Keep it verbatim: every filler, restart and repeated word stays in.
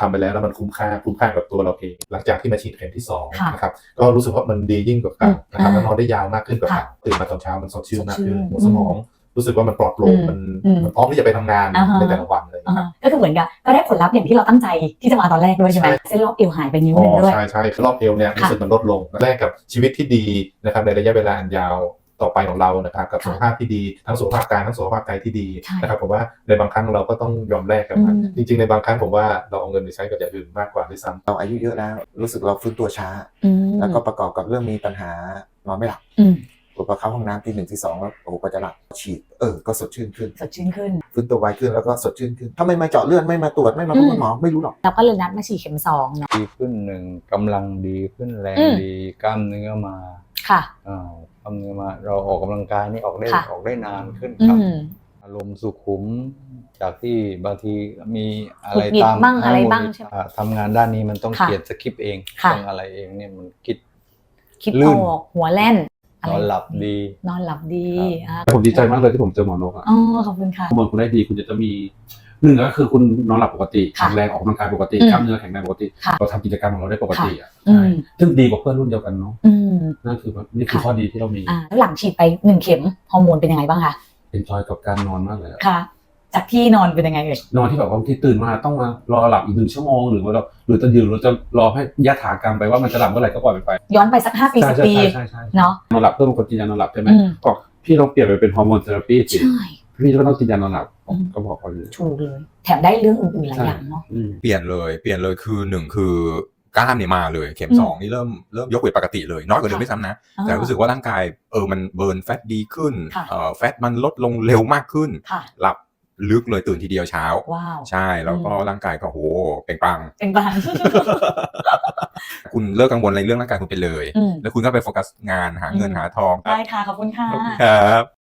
ทำไปแล้วแล้วมันคุ้มค่าคุ้มค่ากับตัวเราเองหลังจากที่มาฉีดเข็มที่สองนะครับก็รู้สึกว่ามันดียิ่งกว่าเก่านะครับแล้วนอนได้ยาวมากขึ้นกว่าเก่าตื่นมาตอนเช้ามันสดชื่นมากขึ้นหัวสมองรู้สึกว่ามันปลอดโปร่งมันมันพร้อมที่จะไปทำงานในแต่ละวันเลยก็คือเหมือนกับก็ได้ผลลัพธ์อย่างที่เราตั้งใจที่จะมาตอนแรกด้วยใช่ไหมเส้นรอบเอวหายไปนิ้วนึงด้วยใช่ใช่รอบเอวเนี่ยรู้สึกมันลดลงแลกกับชีวิตที่ดีนะครับในระยะเวลาอันยาวต่อไปของเรานะครับกับสุขภาพที่ดีทั้งสุขภาพกายทั้งสุขภาพใจที่ดีนะครับผมว่าในบางครั้งเราก็ต้องยอมแลกกับมันจริงๆในบางครั้งผมว่าเราเอาเงินไปใช้กับอย่างอื่นมากกว่าด้วยซ้ำเราอายุเยอะแล้วรู้สึกเราฟื้นตัวช้าแล้วก็ประกอบกับเรื่องมีปัญหานอนไม่หลับพอเข้าห้องน้ำทีหนึ่งทีสองแล้วโอ้โหก็จะหลับฉีดเออก็สดชื่นขึ้นสดชื่นขึ้นฟื้นตัวไวขึ้นแล้วก็สดชื่นขึ้นถ้าไม่มาเจาะเลือดไม่มาตรวจไม่มาพบคุณหมอไม่รู้หรอกเราก็เลยนัดมาฉีดเข็มสองเนาะดีขึ้นหนึ่งกำลังดีขึ้นแรงดีกล้ามเนื้อมาค่ะอ่ากล้ามเนื้อมาเราออกกำลังกายนี่ออกได้ออกได้นานขึ้นครับอารมณ์สุขุมจากที่บางทีมีอะไรตามบ้างอะไรบ้างใช่ไหมทำงานด้านนี้มันต้องเขียนสคริปต์เองต้องอะไรเองเนี่ยมันคิดคิดออกหัวแล่นนอนหลับดีนอนหลับดีผมดีใจมากเลยที่ผมเจอหมอนกอ่ะอ๋อขอบคุณค่ะข้อมูลคุณได้ดีคุณจะจะมีหนึ่งก็คือคุณนอนหลับปกติแข็งแรงออกกำลังกายปกติกล้ามเนื้อแข็งแรงปกติเราทำกิจกรรมของเราได้ปกติอ่ะใช่ซึ่งดีกว่าเพื่อนรุ่นเดียวกันเนาะนั่นคือนี่คือข้อดีที่เรามีแล้วหลังฉีดไปหนึ่งเข็มฮอร์โมนเป็นยังไงบ้างคะเป็นจอยกับการนอนมากเลยค่ะจากที่นอนเป็นยังไงเอ่ยนอนที่แบบบางทีตื่นมาต้องมารอหลับอีกหนึ่งชั่วโมงหรือว่าเราหรือจะยืนหรือจะรอให้ยะถากรรมไปว่ามันจะหลับเมื่อไหร่ก็ปล่อยไปย้อนไปสักห้าปีสิบปีเนาะนอนหลับเพื่อบางคนกินยานอนหลับใช่ไหมก็พี่ต้องเปลี่ยนไปเป็นฮอร์โมนเทอราปีสิพี่ก็ต้องกินยานอนหลับก็บอกเขาเลยถูกเลยแถมได้เรื่องอื่นๆหลายอย่างเนาะเปลี่ยนเลยเปลี่ยนเลยคือหนึ่งคือกล้ามเนี่ยมาเลยเข็มสองนี่เริ่มเริ่มยกเวทปกติเลยน้อยกว่าเดิมไม่ซ้ำนะแต่รู้สึกว่าร่างกายเออมันเบิร์นแฟตดีขึ้นเอ่อแฟตมันลดลงเร็วมากขึ้นหลับลึกเลยตื่นทีเดียวเช้าใช่แล้วก็ร่างกายก็โหเปล่งปลั่งเปล่งปลั่งคุณเลิกกังวลในเรื่องร่างกายคุณไปเลยแล้วคุณก็ไปโฟกัสงานหาเงินหาทองได้ค่ะขอบคุณค่ะครับ